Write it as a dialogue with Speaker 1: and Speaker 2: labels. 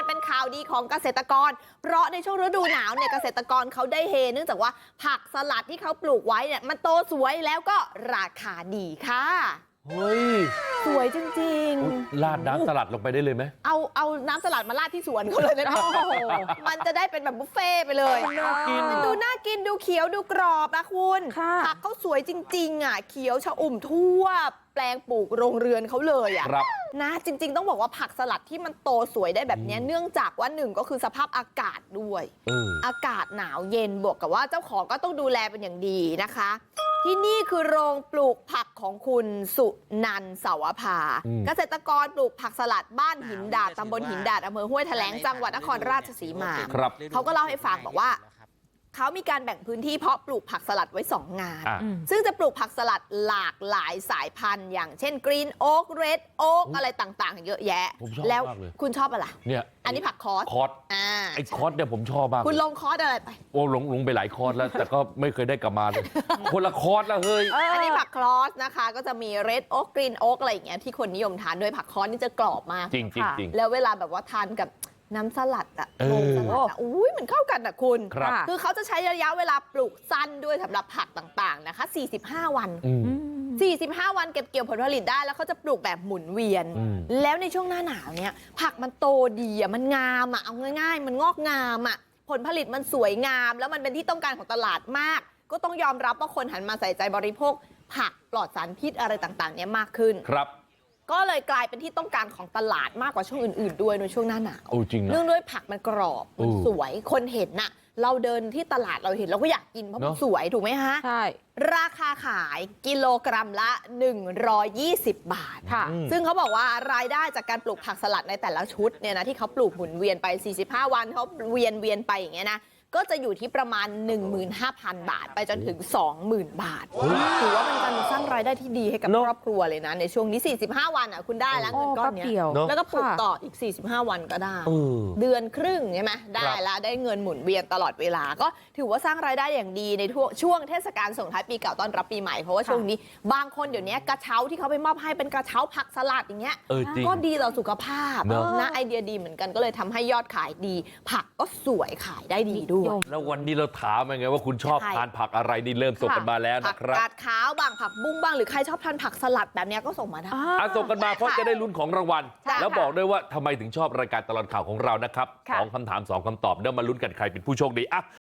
Speaker 1: มันเป็นข่าวดีของเกษตรกรเพราะในช่วงฤดูหนาวเนี่ยเกษตรกรเขาได้เฮเนื่องจากว่าผักสลัดที่เขาปลูกไว้เนี่ยมันโตสวยแล้วก็ราคาดีค่ะ
Speaker 2: เฮ้ย
Speaker 1: สวยจริง
Speaker 2: ๆราดน้ำสลัดลงไปได้เลยไหม
Speaker 1: เอาน้ำสลัดมาราดที่สวนเขาเลยนะมันจะได้เป็นแบบบุฟเฟ่ไปเลยมันดูน่ากินดูเขียวดูกรอบนะคุณผักเขาสวยจริงๆอ่ะเขียวชอุ่มทั่วแปลงปลูกโรงเรือนเขาเลยอ่ะนะจริงๆต้องบอกว่าผักสลัดที่มันโตสวยได้แบบนี้เนื่องจากว่าหนึ่งก็คือสภาพอากาศด้วยอากาศหนาวเย็นบวกกับว่าเจ้าของก็ต้องดูแลเป็นอย่างดีนะคะที่นี่คือโรงปลูกผักของคุณสุนันท์เสาวภาเกษตรกรปลูกผักสลัดบ้านหินดาดตำบลหินดาดอำเภอห้วยแถลงจังหวัดนครราชสีมาเขาก็เล่าให้ฟังบอกว่าเขามีการแบ่งพื้นที่เพาะปลูกผักสลัดไว้2งานซึ่งจะปลูกผักสลัดหลากหลายสายพันธุ์อย่างเช่นกรีนโอ๊กเรดโอ๊กอะไรต่างๆเยอะแยะแล้วคุณชอบอะไรเนี่ยอันนี้ผักคอส
Speaker 2: ไอ้คอสเนี่ยผมชอบมาก
Speaker 1: คุณลงคอสอะไรไป
Speaker 2: โอ้ลงไปหลายคอสแล้วแต่ก็ไม่เคยได้กลับมาเลยคนละคอสแล้วเฮ้ย
Speaker 1: อันนี้ผักคอสนะคะก็จะมีเรดโอ๊กกรีนโอ๊กอะไรอย่างเงี้ยที่คนนิยมทานด้วยผักคอสนี่จะกรอบมาก
Speaker 2: จริง
Speaker 1: แล้วเวลาแบบว่าทานกับน้ำสลัดอ่ะโงสลัดอ่ะอุ้ยมันเข้ากันอ่ะคุณคือเขาจะใช้ระยะเวลาปลูกสั้นด้วยสำหรับผักต่างๆนะคะ45 วัน45 วันเก็บเกี่ยวผลผลิตได้แล้วเขาจะปลูกแบบหมุนเวียนแล้วในช่วงหน้าหนาวเนี่ยผักมันโตดีอ่ะมันงามอ่ะเอาง่ายๆมันงอกงามอ่ะผลผลิตมันสวยงามแล้วมันเป็นที่ต้องการของตลาดมากก็ต้องยอมรับว่าคนหันมาใส่ใจบริโภคผักปลอดสารพิษอะไรต่างๆเนี่ยมากขึ้น
Speaker 2: ครับ
Speaker 1: ก็เลยกลายเป็นที่ต้องการของตลาดมากกว่าช่วงอื่นๆด้วยในช่วงหน้าหนาว
Speaker 2: จริงนะ
Speaker 1: เนื่องด้วยผักมันกรอบมันสวยคนเห็นน่ะเราเดินที่ตลาดเราเห็นเราก็อยากกินเพราะมันสวยถูกไหมฮะ
Speaker 3: ใช่
Speaker 1: ราคาขายกิโลกรัมละ120 บาทค่ะซึ่งเขาบอกว่ารายได้จากการปลูกผักสลัดในแต่ละชุดเนี่ยนะที่เขาปลูกหมุนเวียนไป45 วันเขาเวียนไปอย่างเงี้ยนะก็จะอยู่ที่ประมาณ 15,000 บาทไปจนถึง 20,000 บาทถือว่าเป็นการสร้างรายได้ที่ดีให้กับครอบครัวเลยนะในช่วงนี้45 วันอ่ะคุณได้แล้วเงินก้อนนี้แล้วก็ปลูกต่ออีก45 วันก็ได้เดือนครึ่งใช่ไหมได้แล้วได้เงินหมุนเวียนตลอดเวลาก็ถือว่าสร้างรายได้อย่างดีในช่วงเทศกาลส่งท้ายปีเก่าต้อนรับปีใหม่เพราะว่าช่วงนี้บางคนเดี๋ยวนี้กระเช้าที่เขาไปมอบให้เป็นกระเช้าผักสลัดอย่างเงี้ยก็ดีต่อสุขภาพนะไอเดียดีเหมือนกันก็เลยทำให้ยอดขายดีผักก็สวยขายได้ดีด้วย
Speaker 2: แล้ววันนี้เราถามยังไงว่าคุณชอบทานผักอะไรนี่เริ่มส่งกันมาแล้วนะครับ
Speaker 1: ผักกาดขาวบ้างผักบุ้งบ้างหรือใครชอบทานผักสลัดแบบนี้ก็ส่งมาได้
Speaker 2: ส่งกันมาเพราะจะได้ลุ้นของรางวัลแล้วบอกด้วยว่าทำไมถึงชอบรายการตลอดข่าวของเรานะครับ2 คำถาม 2 คำตอบเดี๋ยวมาลุ้นกันใครเป็นผู้โชคดี